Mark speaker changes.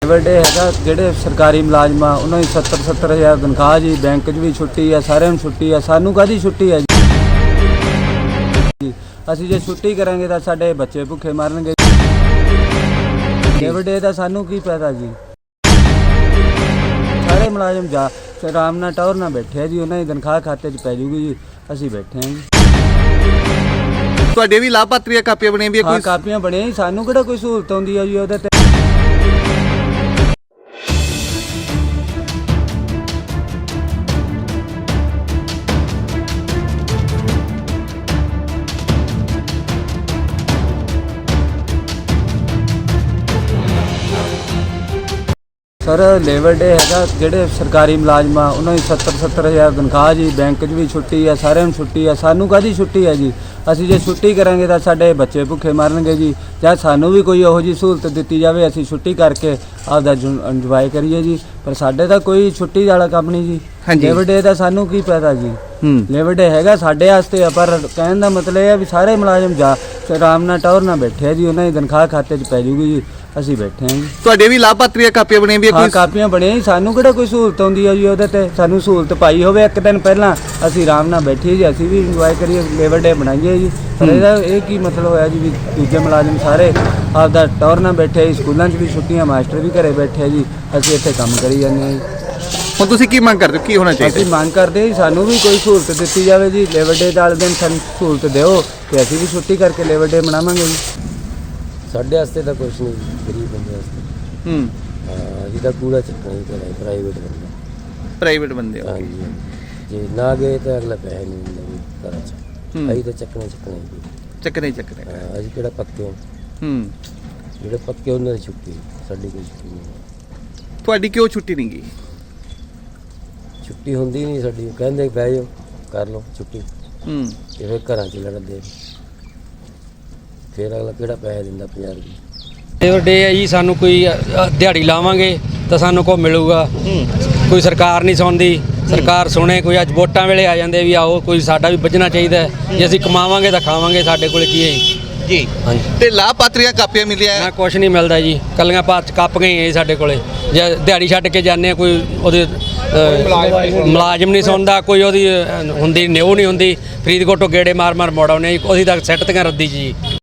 Speaker 1: ਵੱਡੇ ਹੈਗਾ ਜਿਹੜੇ ਸਰਕਾਰੀ ਮੁਲਾਜ਼ਮ ਆ ਉਹਨਾਂ ਦੀ 70-70 ਹਜ਼ਾਰ ਤਨਖਾਹ ਜੀ। ਬੈਂਕ 'ਚ ਵੀ ਛੁੱਟੀ ਆ, ਸਾਰਿਆਂ ਨੂੰ ਛੁੱਟੀ ਆ, ਸਾਨੂੰ ਕਾਹਦੀ ਛੁੱਟੀ ਆ ਜੀ? ਅਸੀਂ ਜੇ ਛੁੱਟੀ ਕਰਾਂਗੇ ਤਾਂ ਸਾਡੇ ਬੱਚੇ ਭੁੱਖੇ ਮਰਨਗੇ। ਵੱਡੇ ਦਾ ਸਾਨੂੰ ਕੀ ਪਤਾ ਜੀ? ਸਾਰੇ ਮੁਲਾਜ਼ਮ ਜਾ ਆਰਾਮ ਨਾਲ ਟੌਰ ਨਾਲ ਬੈਠੇ ਆ ਜੀ, ਉਹਨਾਂ ਦੀ ਤਨਖਾਹ ਖਾਤੇ 'ਚ ਪੈ ਜੂਗੀ ਜੀ। ਅਸੀਂ ਬੈਠੇ ਹਾਂ ਜੀ।
Speaker 2: ਤੁਹਾਡੇ ਵੀ ਲਾਭਪਾਤਰੀਆਂ ਕਾਪੀਆਂ ਬਣੀਆਂ ਵੀ
Speaker 1: ਕੋਈ ਕਾਪੀਆਂ ਬਣੀਆਂ ਜੀ, ਸਾਨੂੰ ਕਿਹੜਾ ਕੋਈ ਸਹੂਲਤ ਆਉਂਦੀ ਆ ਜੀ ਉਹਦੇ ਤੇ? ਸਰ ਲੇਬਰ ਡੇ ਹੈਗਾ ਜਿਹੜੇ ਸਰਕਾਰੀ ਮੁਲਾਜ਼ਮ ਆ ਉਹਨਾਂ ਦੀ 70-70 ਹਜ਼ਾਰ ਤਨਖਾਹ ਜੀ। ਬੈਂਕ 'ਚ ਵੀ ਛੁੱਟੀ ਆ, ਸਾਰਿਆਂ ਨੂੰ ਛੁੱਟੀ ਆ, ਸਾਨੂੰ ਕਾਹਦੀ ਛੁੱਟੀ ਆ ਜੀ? ਅਸੀਂ ਜੇ ਛੁੱਟੀ ਕਰਾਂਗੇ ਤਾਂ ਸਾਡੇ ਬੱਚੇ ਭੁੱਖੇ ਮਰਨਗੇ ਜੀ। ਜਾਂ ਸਾਨੂੰ ਵੀ ਕੋਈ ਇਹੋ ਜਿਹੀ ਸਹੂਲਤ ਦਿੱਤੀ ਜਾਵੇ, ਅਸੀਂ ਛੁੱਟੀ ਕਰਕੇ ਆਪਦਾ ਇੰਜੋਏ ਕਰੀਏ ਜੀ। ਪਰ ਸਾਡੇ ਤਾਂ ਕੋਈ ਛੁੱਟੀ ਵਾਲਾ ਕੰਮ ਨਹੀਂ ਜੀ। ਲੇਬਰ ਡੇ ਦਾ ਸਾਨੂੰ ਕੀ ਪਤਾ ਜੀ? ਲੇਬਰ ਡੇ ਹੈਗਾ ਸਾਡੇ ਵਾਸਤੇ ਆ, ਪਰ ਕਹਿਣ ਦਾ ਮਤਲਬ ਇਹ ਆ ਵੀ ਸਾਰੇ ਮੁਲਾਜ਼ਮ ਜਾ ਆਰਾਮ ਨਾਲ ਟੌਰ ਨਾਲ ਬੈਠੇ ਆ ਜੀ, ਉਹਨਾਂ ਦੀ ਤਨਖਾਹ ਖਾਤੇ 'ਚ ਪੈ ਜੂਗੀ ਜੀ। ਅਸੀਂ ਬੈਠੇ ਹਾਂ ਜੀ।
Speaker 2: ਤੁਹਾਡੇ ਵੀ ਲਾਭਪਾਤਰੀਆਂ ਕਾਪੀਆਂ ਬਣੀਆਂ ਵੀ
Speaker 1: ਕੋਈ ਕਾਪੀਆਂ ਬਣੀਆਂ ਜੀ, ਸਾਨੂੰ ਕਿਹੜਾ ਕੋਈ ਸਹੂਲਤ ਆਉਂਦੀ ਆ ਜੀ ਉਹਦੇ ਤੇ? ਸਾਨੂੰ ਸਹੂਲਤ ਪਾਈ ਹੋਵੇ ਇੱਕ ਦਿਨ ਪਹਿਲਾਂ, ਅਸੀਂ ਆਰਾਮ ਨਾਲ ਬੈਠੀਏ ਜੀ, ਅਸੀਂ ਵੀ ਇੰਜੋਏ ਕਰੀਏ, ਲੇਬਰ ਡੇ ਬਣਾਈਏ ਜੀ। ਪਰ ਇਹਦਾ ਇਹ ਕੀ ਮਤਲਬ ਹੋਇਆ ਜੀ ਵੀ ਦੂਜੇ ਮੁਲਾਜ਼ਮ ਸਾਰੇ ਆਪਦਾ ਟੌਰ ਨਾਲ ਬੈਠੇ ਜੀ, ਸਕੂਲਾਂ 'ਚ ਵੀ ਛੁੱਟੀਆਂ, ਮਾਸਟਰ ਵੀ ਘਰੇ ਬੈਠੇ ਜੀ, ਅਸੀਂ ਇੱਥੇ ਕੰਮ ਕਰੀ ਜਾਂਦੇ ਹਾਂ ਜੀ।
Speaker 2: ਹੁਣ ਤੁਸੀਂ ਕੀ ਮੰਗ ਕਰਦੇ ਹੋ, ਕੀ ਹੋਣਾ ਚਾਹੀਦਾ?
Speaker 1: ਅਸੀਂ ਮੰਗ ਕਰਦੇ ਜੀ ਸਾਨੂੰ ਵੀ ਕੋਈ ਸਹੂਲਤ ਦਿੱਤੀ ਜਾਵੇ ਜੀ। ਲੇਬਰ ਡੇ ਵਾਲੇ ਦਿਨ ਸਾਨੂੰ ਸਹੂਲਤ ਦਿਓ ਤੇ ਅਸੀਂ ਵੀ ਛੁੱਟੀ ਕਰਕੇ ਲੇਬਰ ਡੇ ਮਨਾਵਾਂਗੇ ਜੀ।
Speaker 3: ਸਾਡੇ ਵਾਸਤੇ ਤਾਂ ਕੁਛ ਨਹੀਂ, ਗਰੀਬ ਬੰਦੇ ਵਾਸਤੇ। ਹਾਂ ਜਿਹਦਾ ਕੂੜਾ ਚੱਕਣਾ ਹੀ ਪੈਣਾ, ਪ੍ਰਾਈਵੇਟ ਬੰਦਾ।
Speaker 2: ਪ੍ਰਾਈਵੇਟ ਬੰਦੇ ਹੋ?
Speaker 3: ਹਾਂਜੀ, ਜੇ ਨਾ ਗਏ ਤਾਂ ਅਗਲਾ ਪੈਸੇ ਨਹੀਂ ਦਿੰਦਾ ਵੀ ਘਰਾਂ 'ਚ। ਅਸੀਂ ਤਾਂ ਚੱਕਣੇ ਹੀ
Speaker 2: ਚੱਕਣੇ
Speaker 3: ਹਾਂ, ਅਸੀਂ ਕਿਹੜਾ ਪੱਕੇ ਹਾਂ। ਜਿਹੜੇ ਪੱਕੇ ਉਹਨਾਂ ਦੀ ਛੁੱਟੀ, ਸਾਡੀ ਕੋਈ ਛੁੱਟੀ ਨਹੀਂ।
Speaker 2: ਤੁਹਾਡੀ ਕਿਉਂ ਛੁੱਟੀ ਨਹੀਂ ਗਈ?
Speaker 3: ਛੁੱਟੀ ਹੁੰਦੀ ਨਹੀਂ ਸਾਡੀ, ਕਹਿੰਦੇ ਬਹਿ ਜਾਓ ਕਰ ਲਓ ਛੁੱਟੀ, ਤੇ ਫਿਰ ਘਰਾਂ 'ਚ ਲੜਦੇ। ਫਿਰ ਅਗਲਾ ਕਿਹੜਾ ਪੈਸੇ ਦਿੰਦਾ 50 ਰੁਪਏ।
Speaker 4: ਲੇਬਰ ਡੇ ਹੈ ਜੀ, ਸਾਨੂੰ ਕੋਈ ਦਿਹਾੜੀ ਲਾਵਾਂਗੇ ਤਾਂ ਸਾਨੂੰ ਕੋ ਮਿਲੂਗਾ। ਕੋਈ ਸਰਕਾਰ ਨਹੀਂ ਸੁਣਦੀ, ਸਰਕਾਰ ਸੁਣੇ। ਕੋਈ ਅੱਜ ਵੋਟਾਂ ਵੇਲੇ ਆ ਜਾਂਦੇ ਵੀ ਆਓ, ਕੋਈ ਸਾਡਾ ਵੀ ਵੱਜਣਾ ਚਾਹੀਦਾ। ਜੇ ਅਸੀਂ ਕਮਾਵਾਂਗੇ ਤਾਂ ਖਾਵਾਂਗੇ, ਸਾਡੇ ਕੋਲ ਕੀ ਹੈ
Speaker 2: ਜੀ?
Speaker 4: ਹਾਂਜੀ।
Speaker 2: ਤੇ ਲਾਭਪਾਤਰੀਆਂ ਕਾਪੀਆਂ ਮਿਲੀਆਂ?
Speaker 4: ਨਾ ਕੁਛ ਨਹੀਂ ਮਿਲਦਾ ਜੀ, ਕੱਲੀਆਂ ਪਾਤ ਕਾਪੀਆਂ ਹੀ ਹੈ ਸਾਡੇ ਕੋਲੇ। ਜੇ ਦਿਹਾੜੀ ਛੱਡ ਕੇ ਜਾਂਦੇ ਆ, ਕੋਈ ਉਹਦੇ ਮੁਲਾਜ਼ਮ ਨਹੀਂ ਸੁਣਦਾ, ਕੋਈ ਉਹਦੀ ਹੁੰਦੀ ਨਿਉ ਨਹੀਂ ਹੁੰਦੀ। ਫਰੀਦਕੋਟੋਂ ਗੇੜੇ ਮਾਰ ਮੋੜ ਆਉਂਦੇ, ਉਹਦੀ ਤਾਂ ਸੈੱਟ ਤੀਆਂ ਰੱਦੀ ਜੀ।